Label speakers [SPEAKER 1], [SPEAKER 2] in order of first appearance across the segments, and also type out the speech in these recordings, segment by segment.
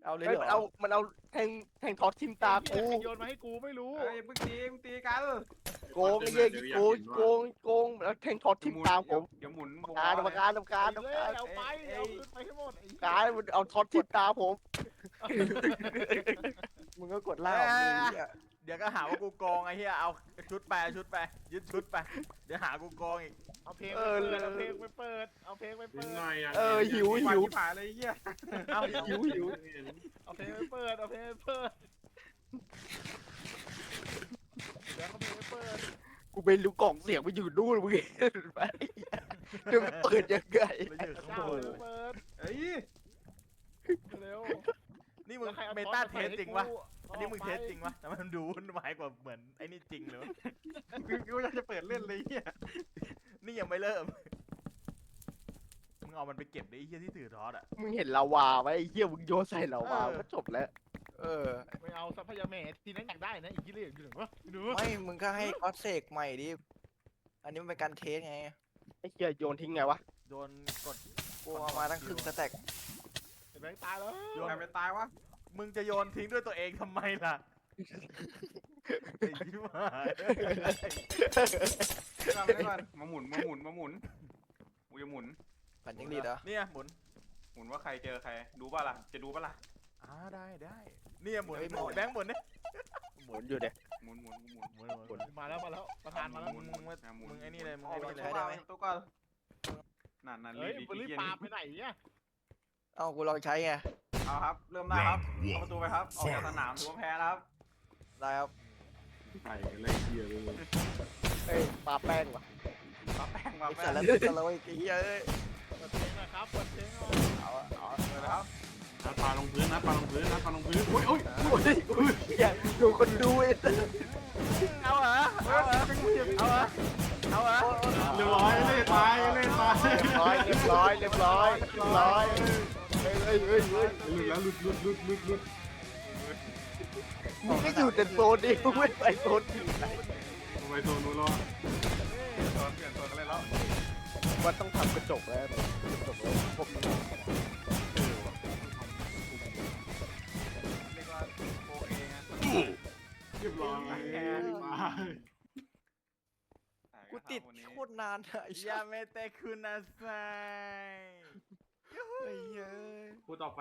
[SPEAKER 1] เอาเลย
[SPEAKER 2] เฮ้ย
[SPEAKER 1] เหร
[SPEAKER 2] มันเอาแทงท็อตทิมตา
[SPEAKER 3] กู
[SPEAKER 2] กู
[SPEAKER 3] โยนมาให้กูไม่รู้
[SPEAKER 4] เอ้ยมึงตีกัน
[SPEAKER 2] โกงไอ้เหี้ยโกงแล้วแทงท็อตทิมตาผม
[SPEAKER 4] เดี๋ยวหมุน
[SPEAKER 2] กรรมการ
[SPEAKER 3] เอาไปเอาขึ้นไปให้หมด
[SPEAKER 2] การมันเอาท็อตทิมตาผม
[SPEAKER 1] มึงก็กดล่าออกเลย
[SPEAKER 5] เดี๋ยวก็หาว่ากูโกงไอ้เหี้ยเอาชุดไปยึดชุดไปเดี๋ยวหากูโกงอีก
[SPEAKER 3] เอาเพลงเอาเพลงไปเปิดเอาเพลงไป
[SPEAKER 6] นิ
[SPEAKER 3] เปิ
[SPEAKER 6] ด
[SPEAKER 3] ด
[SPEAKER 6] หน่อยอ่ะ
[SPEAKER 2] หิว
[SPEAKER 4] ผ่าเลยเหี้ย
[SPEAKER 5] เอา
[SPEAKER 2] หิว
[SPEAKER 3] เอาเพลงไปเปิดเอาเพลงไปเปิดเดี๋ยวเขาเพลงไปเปิด
[SPEAKER 2] กูไปรู้กล่องเสียงไปอยู่นู่นมึงเห็นไหมจะเปิดยังไง
[SPEAKER 5] ไม่อยู่ข้าง
[SPEAKER 3] เจ้า
[SPEAKER 5] บน
[SPEAKER 3] เปิด
[SPEAKER 4] เอ้ย
[SPEAKER 3] เร็ว
[SPEAKER 5] นี่มึงเมตาเทสจริงวะอันนี้มึงเทสจริงวะแต่มันดูวุ่นวายกว่าเหมือนไอ้นี่จริงเลยวะ
[SPEAKER 4] กูอยากจะเปิดเล่นเลยเหี้ย
[SPEAKER 5] นี่ยังไม่เริ่มมึงเอามันไปเก็บได้ไอ้เหี้ยที่ถือทอดอ่ะ
[SPEAKER 2] มึงเห็นลาวาไหมไอ้เหี้ยมึงโยนใส่ลาวาก็จบแล้ว
[SPEAKER 3] ไม่เอาทรัพยาเมทีนั้นอยากได้นะอีกที่เรียกอยู่หนึ่งวะดู
[SPEAKER 1] ไม่มึงก็ให้ก็เสกใหม่ดิอันนี้มันเป็นการเทสไง
[SPEAKER 2] ไอ้เหี้ยโยนทิ้งไงวะ
[SPEAKER 5] โดนกด
[SPEAKER 1] กูเอามาตั้งครึ่งสแต็ก
[SPEAKER 3] แบงค์ตายแล้ว
[SPEAKER 4] ใครไปตายวะ
[SPEAKER 5] มึงจะโยนทิ้งด้วยตัวเองทำไมล่ะไอ้ชิบหาย
[SPEAKER 4] ทำได้ก่อนมาหมุนกูจะหมุน
[SPEAKER 1] ปั่นยังดีเหรอ
[SPEAKER 5] เนี่ยหมุน
[SPEAKER 4] หมุนว่าใครเจอใครดูป่ะล่ะจะดูป่ะล่ะ
[SPEAKER 5] ได้เนี่ยหมุนแบงค์หมุนเนี่ย
[SPEAKER 2] หมุนอยู่เด็
[SPEAKER 4] หมุน
[SPEAKER 5] หมุน
[SPEAKER 3] มาแล้วประธานมาแล้ว
[SPEAKER 5] มึงไอ้นี่เลยมึง
[SPEAKER 4] ออก
[SPEAKER 5] ไอ้
[SPEAKER 4] ไป
[SPEAKER 5] นี่
[SPEAKER 4] ใช้
[SPEAKER 5] เลย
[SPEAKER 4] ได้ไหมตัวก่อนนั่น
[SPEAKER 3] เฮ้ยบริปาไปไหนเนี่ย
[SPEAKER 1] เอ้ากูลองใช้ไง
[SPEAKER 4] เอาครับเริ่มได้ครับเอาประตูไปครับออกจากสนามถือว่าแพ้แล้วครับ
[SPEAKER 1] ได้ครับ
[SPEAKER 6] ไก่กันเลยเกียร์เลย
[SPEAKER 2] เอ้ยปาแป้งว่ะ
[SPEAKER 4] มาแป้งมา
[SPEAKER 1] ไอ้
[SPEAKER 4] แป้
[SPEAKER 1] สาง รพิษอะไรไอ้เหี้ยเอ้ย
[SPEAKER 3] เปิดเพลงนะครับเปิดเพลงหน่อย
[SPEAKER 1] เอา
[SPEAKER 4] เลยครับ
[SPEAKER 6] นัดปลาลงพื้นนัดปลาลงพื้นโอ้ย
[SPEAKER 2] อย่าดูคนดูไอ้
[SPEAKER 5] เอาเหรอเอาเหรอเอาเหรอเอาเหรอ
[SPEAKER 6] เรียบร้อยเล่ตาย
[SPEAKER 2] เรียบร้อยเฮ้ย
[SPEAKER 6] หลุดแล้วหลุด
[SPEAKER 2] มึงก็อยู่แต่โซนนี้มึงไม่ไปโซนอื่นไหน
[SPEAKER 6] ไปโซนนู้นแล้ว
[SPEAKER 4] โดนเปลี่ยนตัวกันเลยแล้ว
[SPEAKER 2] มันต้องทำกระจกแล้วกระจกแล้วพวกนี้
[SPEAKER 4] เรียกว่าโอเคไง
[SPEAKER 6] เรียบร้อยมา
[SPEAKER 1] กูติดโคตรนานอะไอ้
[SPEAKER 5] ยา
[SPEAKER 1] เหี้ย
[SPEAKER 5] เมเตคุณอาไซ
[SPEAKER 1] ไอ้เหี้ย
[SPEAKER 6] คู่ต่อไป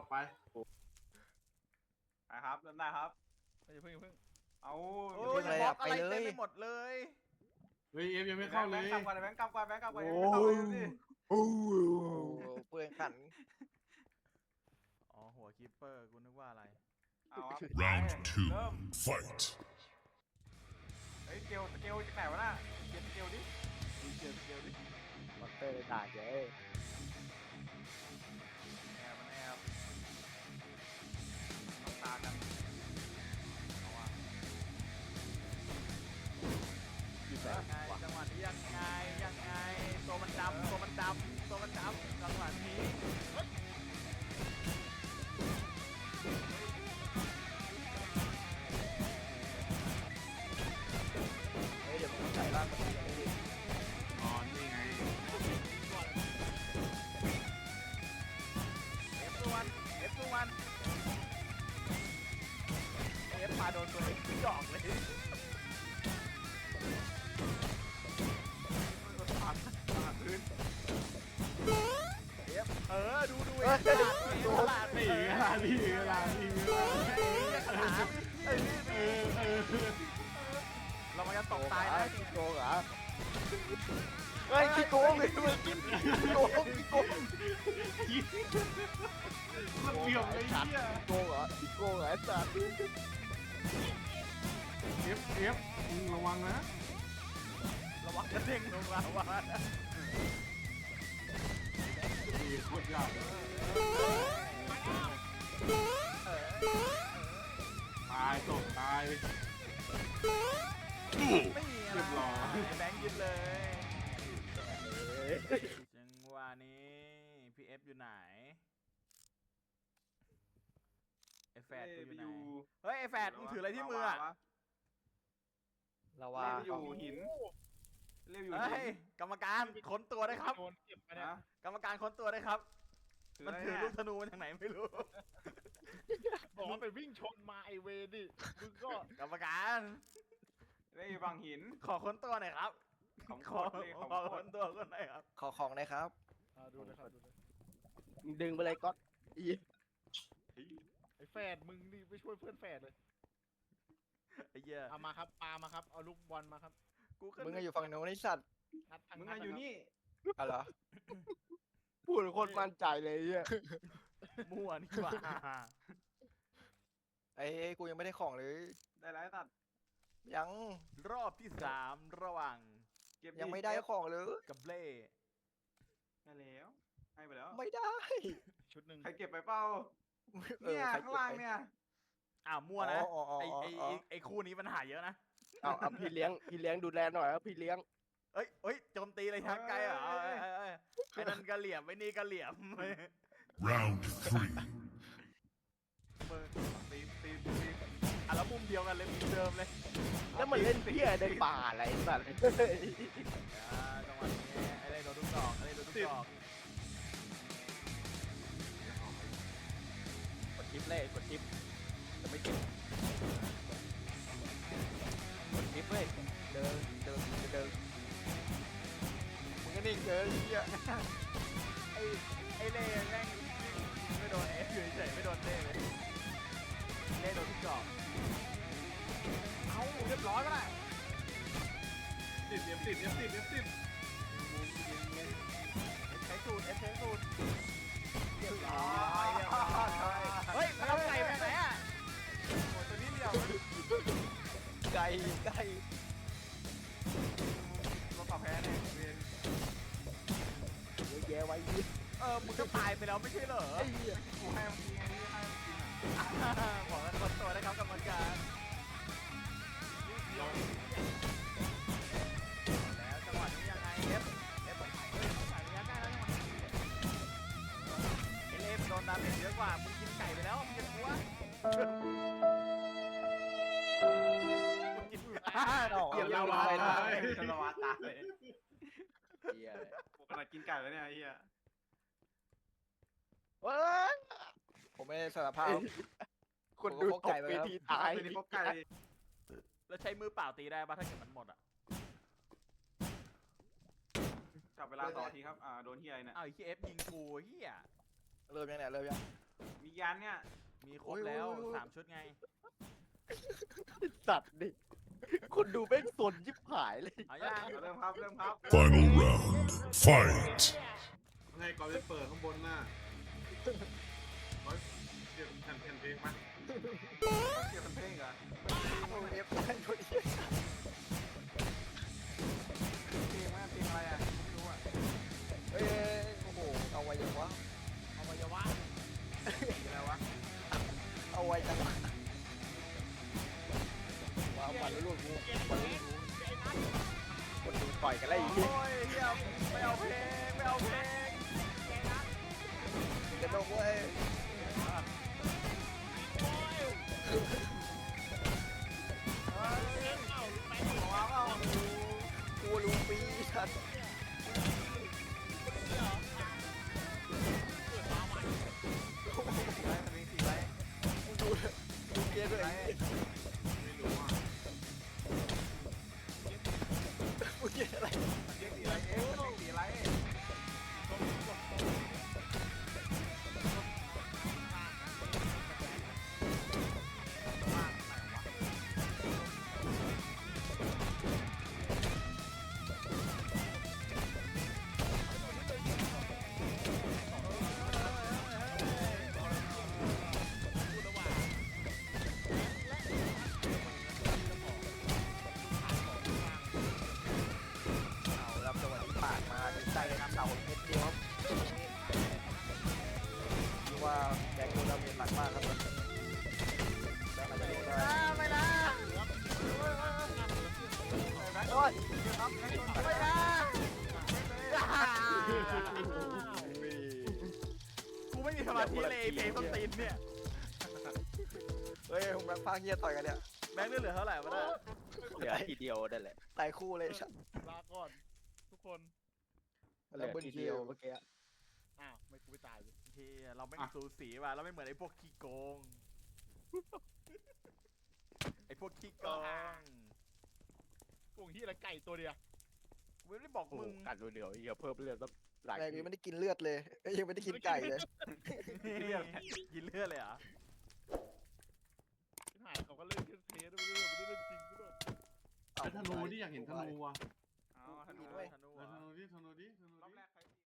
[SPEAKER 4] ไปครับเริ่มได้ครับ
[SPEAKER 3] อย่าเพิ่ง
[SPEAKER 4] เอา
[SPEAKER 5] โอ้ยบล็อกอะไรเต็มไปหมดเลย
[SPEAKER 6] เฮ้ยเอฟยังไม่เข้าเลย
[SPEAKER 4] แบงค์กลับก่อนแบงค์กลับก่อน
[SPEAKER 2] โอ้ย
[SPEAKER 1] โอ้เปลืองขัน
[SPEAKER 5] อ๋อหัวคีปเปอร์กูนึกว่าอะไร
[SPEAKER 4] เอาครับ
[SPEAKER 7] Round
[SPEAKER 4] เริ่ม
[SPEAKER 7] 2. Fight.
[SPEAKER 4] เฮ้ยเกลจากไหนวะน่ะเกลดิ
[SPEAKER 5] เกียวดิ
[SPEAKER 2] มอนเตอร์ด่าแก
[SPEAKER 4] มันแอบต้องตากันเอาว่ะ
[SPEAKER 2] อยู่ไหน
[SPEAKER 5] ยังไงจังหวะนี้ยังไงตัวมันดำจังหวะนี้
[SPEAKER 1] เฮ้ยเดี๋ยวมึงใส่ร่างมันดิ
[SPEAKER 6] อ๋อนี่ไง
[SPEAKER 5] F1 เอฟมาโดนตัวเองดอกเลย
[SPEAKER 4] พื้น
[SPEAKER 5] เออดูเองตลาด
[SPEAKER 6] นี่เวลานี่เวลา
[SPEAKER 5] เรามันจะตกตายนะ
[SPEAKER 2] ขี้โกงเหรอเฮ้ยขี้โกงเลยมึงขี้โกง
[SPEAKER 6] มันเบี่ยมเลยเนี่ย
[SPEAKER 2] ขี้โกงเหรอไอ้สัตว์
[SPEAKER 6] เอฟระวังนะ
[SPEAKER 5] ระวังกระเด้งลงมาว่า
[SPEAKER 6] นี่โคตรยากตายตกตาย
[SPEAKER 5] ไม่มีอะไรแบงค์ยึดเลยจังหวะนี้พี่เอฟอยู่ไหนไอแฟดกูอยู่ไหนเฮ้ยไอแฟดมึงถืออะไรที่มืออะ
[SPEAKER 1] ละ
[SPEAKER 4] เล่
[SPEAKER 1] วา
[SPEAKER 4] นอยู่หินเล่นอยู่
[SPEAKER 5] เฮ้
[SPEAKER 4] หิ
[SPEAKER 5] ย
[SPEAKER 4] น
[SPEAKER 5] กรรมการค้นตัวได้ครับ
[SPEAKER 3] โดนเก็บไปเนี่ย
[SPEAKER 4] นะ
[SPEAKER 5] กรรมการค้นตัวได้ครับ มันถือลูกธนูมาจากไหนไม่รู้
[SPEAKER 3] บอกว่าไปวิ่งชนมาไอเวรดิมึงก็
[SPEAKER 5] กรรมการ
[SPEAKER 4] เฮ้ยบางหิน
[SPEAKER 5] ขอค้นตัวหน่อยครับ
[SPEAKER 4] ของ
[SPEAKER 5] ข
[SPEAKER 4] โค
[SPEAKER 5] อ
[SPEAKER 4] ตรเลยของ
[SPEAKER 5] ขอ
[SPEAKER 4] โค
[SPEAKER 5] ค้
[SPEAKER 4] ต
[SPEAKER 5] น
[SPEAKER 4] ร
[SPEAKER 5] ตัวคนหน่อยครับ
[SPEAKER 1] ขอของหนะครับ
[SPEAKER 3] ดูนะครับดูนะ
[SPEAKER 2] มึงดึงไปเลยก๊อตอี
[SPEAKER 3] ไอแฝดมึงนี่ไปช่วยเพื่อนแฝดเลย
[SPEAKER 5] ไอ้เหี้ย
[SPEAKER 3] เอามาครับปามาครับเอาลูกบอลมาครับ
[SPEAKER 5] กูก็
[SPEAKER 1] มึงก็อยู่ฝั่งโน้นไอ้สัตว์
[SPEAKER 3] งัดทาง
[SPEAKER 4] มึง
[SPEAKER 3] งั
[SPEAKER 4] อะ
[SPEAKER 3] ด
[SPEAKER 4] อยู่
[SPEAKER 3] ะครับ
[SPEAKER 4] นี่
[SPEAKER 1] อะไรอ
[SPEAKER 2] พูดโคตรมั่นใจเลยไอ้เหี้ย
[SPEAKER 5] มั่วนี่หว่า
[SPEAKER 1] ไอ้กูยังไม่ได้ของเลย
[SPEAKER 4] ได้แล้วไอ้สัตว์
[SPEAKER 1] ยัง
[SPEAKER 5] รอบที่สามระหว่าง
[SPEAKER 4] เก็บ
[SPEAKER 1] ยังไม่ได้ของเลย
[SPEAKER 5] กับเล่
[SPEAKER 4] ได้แล้วให้ไปแล้ว
[SPEAKER 1] ไม่ได้
[SPEAKER 3] ชุดหนึ่ง
[SPEAKER 4] ใครเก็บไปเปล่า
[SPEAKER 1] เออ
[SPEAKER 4] เนี่ย
[SPEAKER 1] ใคร
[SPEAKER 4] ข้างล่างเนี่ย
[SPEAKER 5] อ้าวมั่วนะ
[SPEAKER 1] อ๋ออ๋อ
[SPEAKER 5] ไอ้
[SPEAKER 1] อ๋อ
[SPEAKER 5] ไอ้
[SPEAKER 1] อ๋อ
[SPEAKER 5] ไอ้คู่นี้ปัญหาเยอะนะ
[SPEAKER 2] เอาพี่เลี้ยงดูแลหน่อยครับพี่เลี้ยง
[SPEAKER 5] เอ้ยโจมตีเลยทางไกลเหรอเอ้ยไอ้นั่นกระเหลี่ยมไอ้นี่กระเหลี่ยม
[SPEAKER 7] Round 3.
[SPEAKER 5] มือตีอ่ะแล้วมุมเดียวกันเลยมุมเดิมเลย
[SPEAKER 2] แล้วมันเล่นเพี้ยในป่าอะไรสัตว์
[SPEAKER 5] จังหวะนี้ไอ้เล่โดนทุกดอกไอ้เล่โดนทุกดอก
[SPEAKER 2] กดทิปเลยกดทิปจะไม่เก็บกดทิปเลยเดิน
[SPEAKER 1] มึงก็นิ่งเกินไอ้เหี้ย
[SPEAKER 5] ไอ้เล่แม่งไม่โดนอยู่เฉยๆไม่โดนเล่เลยเล่โดนทุกดอก
[SPEAKER 4] เอาเรียบร้อยก็ได้
[SPEAKER 6] ติดเอฟติดเอฟติดเอฟติด
[SPEAKER 5] ใช้สูตรใช้สูตร
[SPEAKER 1] เรียบร้อย
[SPEAKER 5] เฮ้ยมันเอาไก่ไปไหนอ่ะ
[SPEAKER 4] โอ้ตัวนี้เดียว
[SPEAKER 1] ไก่ไก่
[SPEAKER 4] เราตอบแพ้เนี่ยเวียน
[SPEAKER 2] เยอะแยะไว้ยี่
[SPEAKER 5] มึงก็ตายไปแล้วไม่ใช่เหรอ
[SPEAKER 2] ไอ้เหี้ย
[SPEAKER 4] กูให้มันกินไงนี่ให้มันกินอ่ะ
[SPEAKER 5] บอกกันคนตัวนะครับกรรมการแล้วจังหวะนี้ยังไงเอฟใส่ระยะใกล้แล้วจังหวะเอฟโดนดาเมจเยอะกว่ามึงกินไก่ไปแล้วมึงจะกลัวมึงกิน
[SPEAKER 1] เกี่ยว
[SPEAKER 6] เรา
[SPEAKER 1] เรา
[SPEAKER 6] วา
[SPEAKER 1] ไป
[SPEAKER 6] ตา
[SPEAKER 1] นะ
[SPEAKER 6] ย
[SPEAKER 4] ละวาตาย
[SPEAKER 2] เหี้ย
[SPEAKER 4] กูขนาดกินไก่แล้วเนี่ยไอ้เหี้ย
[SPEAKER 2] เว้ย
[SPEAKER 1] ผมไม่ได้สารภาพ
[SPEAKER 2] คนดูตกเวทีตาย
[SPEAKER 4] ตัวนี้พบไก่
[SPEAKER 5] แล้วใช้มือเปล่าตีได้ป่ะถ้าเกิดมันหมดอ่ะ
[SPEAKER 4] จับเวลาต่อทีครับโดนเฮียเนี่ย
[SPEAKER 5] อ้าวไอ้เหี้ยเอฟยิงกูเหี้ย
[SPEAKER 1] เริ่มยังเนี่ยเริ่มยัง
[SPEAKER 4] มียันเนี่ย
[SPEAKER 5] มีครบแล้ว
[SPEAKER 1] โอ้ย
[SPEAKER 5] 3 ชุดไง
[SPEAKER 2] สัตว์ดิคนดูแม่งสนยิบหายเลย
[SPEAKER 5] เอาย่าง
[SPEAKER 4] เริ่มครับเริ่มครับ
[SPEAKER 7] Final round. Fight.
[SPEAKER 6] ไงก่อนจะเปิดข้างบนหน้าร้อยเก็บแผ่นเพลงมา
[SPEAKER 4] เกี่ยวกับเพลงเหรอ
[SPEAKER 1] เอฟได้พอดี
[SPEAKER 4] เพลงว่าเพลงอะไรอ่ะไม่รู้อ่ะ
[SPEAKER 1] เอ้ยโอ้โหเอาไว้ยังวะ
[SPEAKER 3] เอาวัยวะ
[SPEAKER 4] อะไรวะ
[SPEAKER 1] เอาไว้จังวะว้าวปั่นลูกกูปั่นลูกกู
[SPEAKER 2] คนดูต่อยกันแล้วไอ้
[SPEAKER 5] โอ้
[SPEAKER 2] เหี้ย
[SPEAKER 5] ยเหี้ยไม่เอาเพลงไม่เอาเพลง
[SPEAKER 1] กระดกเว้ย
[SPEAKER 4] ว้าวเปล่า
[SPEAKER 1] กูรู้ปีชัด
[SPEAKER 4] อะไรมันมีสีอะไร
[SPEAKER 1] ดูเกียร์ด้วย
[SPEAKER 6] ไม่รู้อ่ะ
[SPEAKER 1] กูเกียร์อะไร
[SPEAKER 4] เรียกสีอะไรเอ๊ะมันมีสีอะไร
[SPEAKER 1] เอารับจังหวะนี้ปาดมาดีใจเลยครับเต่าเม็ดเดียวครับคือว่าแกงโดนดาเมจหนักมากครับแล้วมันจะโดนได้
[SPEAKER 5] ไม่นะ
[SPEAKER 1] โอ้ย
[SPEAKER 5] ไม่นะกูไม่มีสมาธิเลยเพลงต้นตีนเนี่ย
[SPEAKER 1] เฮ้ยผมรักพาเฮียต่อยกันเนี่ย
[SPEAKER 5] แบงค์เหลือเท่าไหร่วะเนี่ย
[SPEAKER 2] เหลือทีเดียวนั่นแหละ
[SPEAKER 1] ตายคู่เลยชัด
[SPEAKER 3] ลาก่อนทุกคน
[SPEAKER 2] เหลือทีเดียวเมื่อกี้
[SPEAKER 3] อ้าวไม่กูไม่ตายเลย
[SPEAKER 5] เฮียเราไม่สูสีว่ะเราไม่เหมือนไอ้พวกขี้โกง ไอ้พวกขี้โกง
[SPEAKER 3] พวกที่อะไรไก่ตัวเดียว
[SPEAKER 5] กูไม่ได้บอก
[SPEAKER 2] โอ้
[SPEAKER 5] มึ
[SPEAKER 2] โห
[SPEAKER 5] ง
[SPEAKER 2] กัดเดียวๆเหี้ยเพิ่มเลือดต้องหลาย
[SPEAKER 1] แม่ง
[SPEAKER 2] ที
[SPEAKER 1] ยังไม่ได้กินเลือดเลยเอ้ยยังไม่ได้กินไก่เลย
[SPEAKER 5] กินเลือดเลยเหรอ
[SPEAKER 3] ที่หายเขาก็เล่นแค่เทสไม่ได้เล่นจริงด้วย
[SPEAKER 6] ไอ้ธนูที่อยากเห็นธนูอ่ะ
[SPEAKER 4] เอาธ
[SPEAKER 1] กิ
[SPEAKER 4] นู
[SPEAKER 1] น
[SPEAKER 4] ร
[SPEAKER 1] เว้ย
[SPEAKER 5] ธนู
[SPEAKER 6] เออ
[SPEAKER 5] เหร
[SPEAKER 6] ธ
[SPEAKER 5] อ
[SPEAKER 6] นูดิธนูดิธนู
[SPEAKER 4] อบ
[SPEAKER 6] ดิ
[SPEAKER 4] แรกใครตี